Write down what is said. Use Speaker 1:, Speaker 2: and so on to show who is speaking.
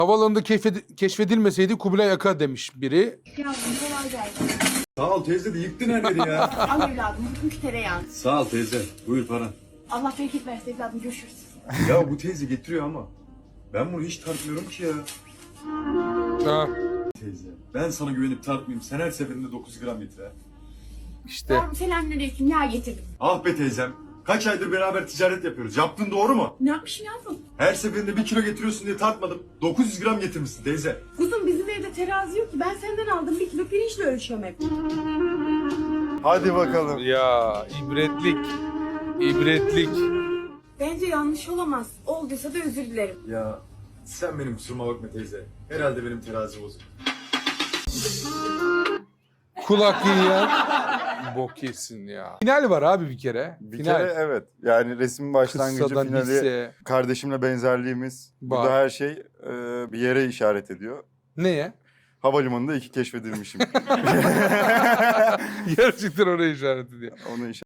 Speaker 1: Havaalanında keşfedilmeseydi Kubilay Aka demiş biri.
Speaker 2: Yavrum kolay gelsin.
Speaker 3: Sağ ol teyze de yıktın her yeri ya.
Speaker 2: Al evladım bugünkü tereyağı.
Speaker 3: Sağ ol teyze. Buyur paran.
Speaker 2: Allah bereket versin evladım görüşürüz.
Speaker 3: Ya bu teyze getiriyor ama ben bunu hiç tartmıyorum ki ya.
Speaker 1: Ha,
Speaker 3: Teyze ben sana güvenip tartmayayım. Sen her seferinde 9 gram getir ha.
Speaker 1: işte.
Speaker 2: Yavrum selamünaleyküm yağ getirdim.
Speaker 3: Ah be teyzem. Kaç aydır beraber ticaret yapıyoruz. Yaptın doğru mu?
Speaker 2: Ne yapmışım yavrum?
Speaker 3: Her seferinde 1 kilo getiriyorsun diye tartmadım. 900 gram getirmişsin teyze.
Speaker 2: Kuzum bizim evde terazi yok ki ben senden aldım 1 kilo pirinçle ölçüyorum hep.
Speaker 4: Hadi bakalım.
Speaker 1: Ya ibretlik. İbretlik.
Speaker 2: Bence yanlış olamaz. Olduysa da özür dilerim.
Speaker 3: Ya sen benim kusuruma bakma teyze. Herhalde benim terazi bozuk.
Speaker 1: Kulak yiyen bok yesin ya. Final var abi bir kere.
Speaker 4: Bir
Speaker 1: Final.
Speaker 4: kere evet. Yani resim başlangıcı,
Speaker 1: Kıssadan
Speaker 4: finali,
Speaker 1: hisse.
Speaker 4: kardeşimle benzerliğimiz.
Speaker 1: Var.
Speaker 4: Burada her şey bir yere işaret ediyor.
Speaker 1: Neye?
Speaker 4: Havalimanında 2 keşfedilmişim.
Speaker 1: Gerçekten oraya işaret ediyor.
Speaker 4: Onu